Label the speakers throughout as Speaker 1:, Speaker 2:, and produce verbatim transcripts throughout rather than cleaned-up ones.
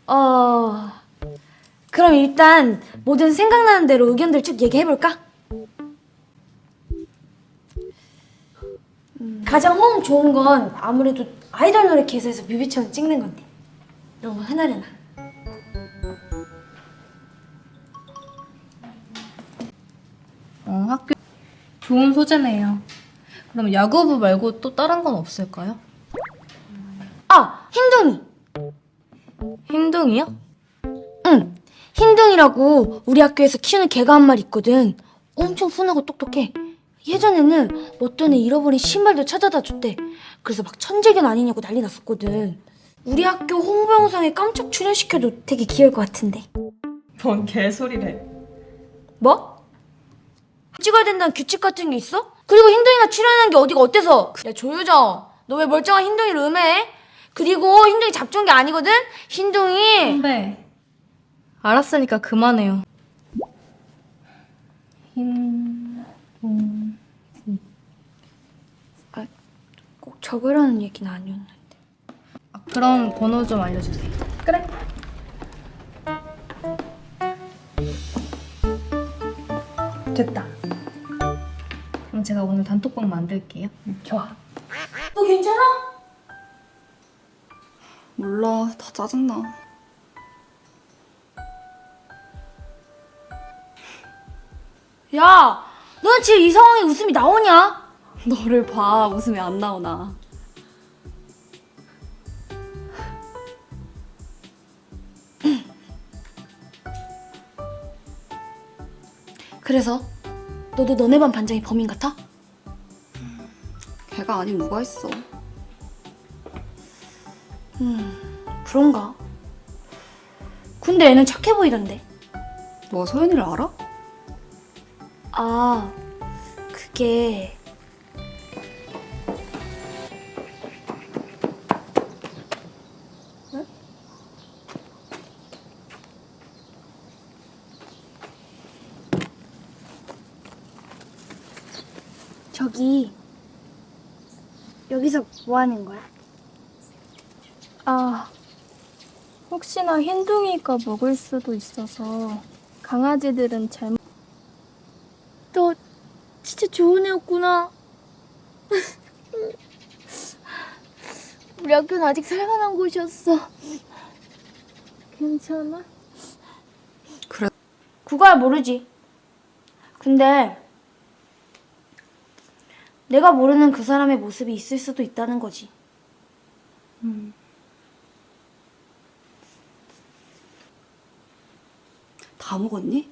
Speaker 1: 어... 그럼 일단 뭐든 생각나는 대로 의견들 쭉 얘기해볼까? 음, 가장 호응 좋은 건 아무래도 아이돌 노래 개사에서 뮤비처럼 찍는 건데 너무 흔하려나?
Speaker 2: 어, 학교 좋은 소재네요. 그럼 야구부 말고 또 다른 건 없을까요?
Speaker 1: 아! 흰둥이!
Speaker 2: 흰둥이요?
Speaker 1: 응! 흰둥이라고 우리 학교에서 키우는 개가 한 마리 있거든. 엄청 순하고 똑똑해. 예전에는 어떤 애 잃어버린 신발도 찾아다 줬대. 그래서 막 천재견 아니냐고 난리 났었거든. 우리 학교 홍보 영상에 깜짝 출연시켜도 되게 귀여울 것 같은데.
Speaker 2: 뭔 개소리래.
Speaker 1: 뭐? 찍어야 된다는 규칙 같은 게 있어? 그리고 흰둥이가 출연한 게 어디가 어때서? 야 조유정, 너 왜 멀쩡한 흰둥이를 음해해? 그리고 흰둥이 잡종이 아니거든? 흰둥이.
Speaker 2: 선배, 알았으니까 그만해요. 흰... 음...
Speaker 1: 꼭 적으라는 얘기는 아니었는데.
Speaker 2: 아, 그럼 번호 좀 알려주세요. 그래. 됐다. 그럼 제가 오늘 단톡방 만들게요.
Speaker 1: 좋아. 너 괜찮아?
Speaker 3: 몰라, 다 짜증나.
Speaker 1: 야, 너는 지금 이 상황에 웃음이 나오냐?
Speaker 3: 너를 봐, 웃음이 안 나오나.
Speaker 1: 그래서 너도 너네 반 반장이 범인 같아?
Speaker 3: 걔가 아닌 누가 있어.
Speaker 1: 음, 그런가? 근데 애는 착해 보이던데.
Speaker 3: 너가 소연이를 알아?
Speaker 1: 아, 그게... 응? 저기... 여기서 뭐 하는 거야?
Speaker 4: 아, 혹시나 흰둥이가 먹을 수도 있어서 강아지들은 잘
Speaker 1: 너 진짜 좋은 애였구나. 우리 학교는 아직 살만한 곳이었어.
Speaker 4: 괜찮아?
Speaker 3: 그래.
Speaker 1: 그거야 모르지. 근데 내가 모르는 그 사람의 모습이 있을 수도 있다는 거지.
Speaker 3: 다 먹었니?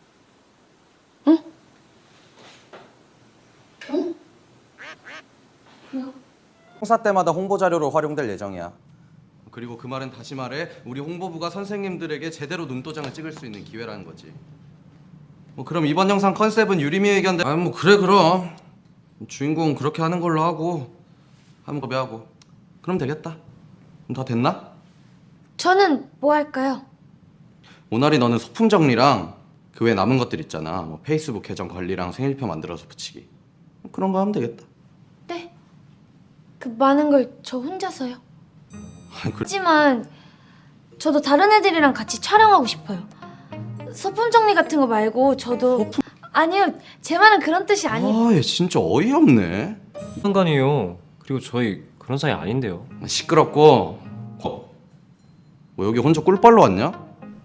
Speaker 5: 행사 때마다 홍보 자료로 활용될 예정이야. 그리고 그 말은 다시 말해 우리 홍보부가 선생님들에게 제대로 눈도장을 찍을 수 있는 기회라는 거지. 뭐 그럼 이번 영상 컨셉은 유리미 의견대. 아 뭐 그래 그럼 주인공은 그렇게 하는 걸로 하고 하면 거배하고 그럼 되겠다. 그럼 다 됐나?
Speaker 1: 저는 뭐 할까요?
Speaker 5: 모나리 너는 소품 정리랑 그 외 남은 것들 있잖아. 뭐 페이스북 계정 관리랑 생일표 만들어서 붙이기. 그런 거 하면 되겠다.
Speaker 1: 네. 그 많은 걸 저 혼자서요.
Speaker 5: 아, 그...
Speaker 1: 하지만 저도 다른 애들이랑 같이 촬영하고 싶어요. 소품 정리 같은 거 말고 저도
Speaker 5: 소품?
Speaker 1: 아니요. 제 말은 그런 뜻이 아니에요.
Speaker 5: 아, 얘 진짜 어이없네.
Speaker 6: 상관이에요. 그리고 저희 그런 사이 아닌데요.
Speaker 5: 시끄럽고. 어. 뭐 여기 혼자 꿀빨로 왔냐?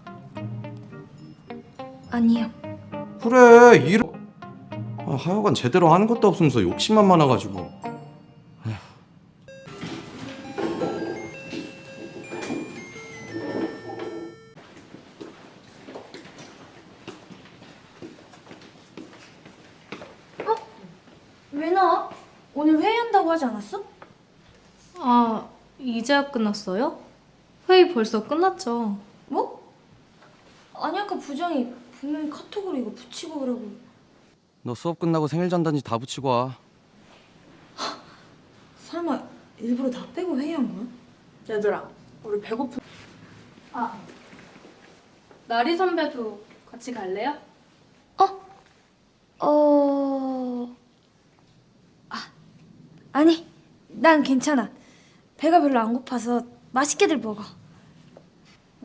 Speaker 1: 아니요.
Speaker 5: 그래 일. 아, 하여간 제대로 하는 것도 없으면서 욕심만 많아가지고.
Speaker 1: 왜 나와? 오늘 회의한다고 하지 않았어?
Speaker 2: 아, 이제야 끝났어요? 회의 벌써 끝났죠.
Speaker 1: 뭐? 아니 아까 부장이 분명히 카톡으로 이거 붙이고 그러고.
Speaker 5: 너 수업 끝나고 생일 전단지 다 붙이고 와.
Speaker 1: 설마 일부러 다 빼고 회의한 거야?
Speaker 2: 얘들아, 우리 배고프... 아, 나리 선배도 같이 갈래요?
Speaker 1: 어... 아, 아니, 난 괜찮아. 배가 별로 안 고파서 맛있게들 먹어.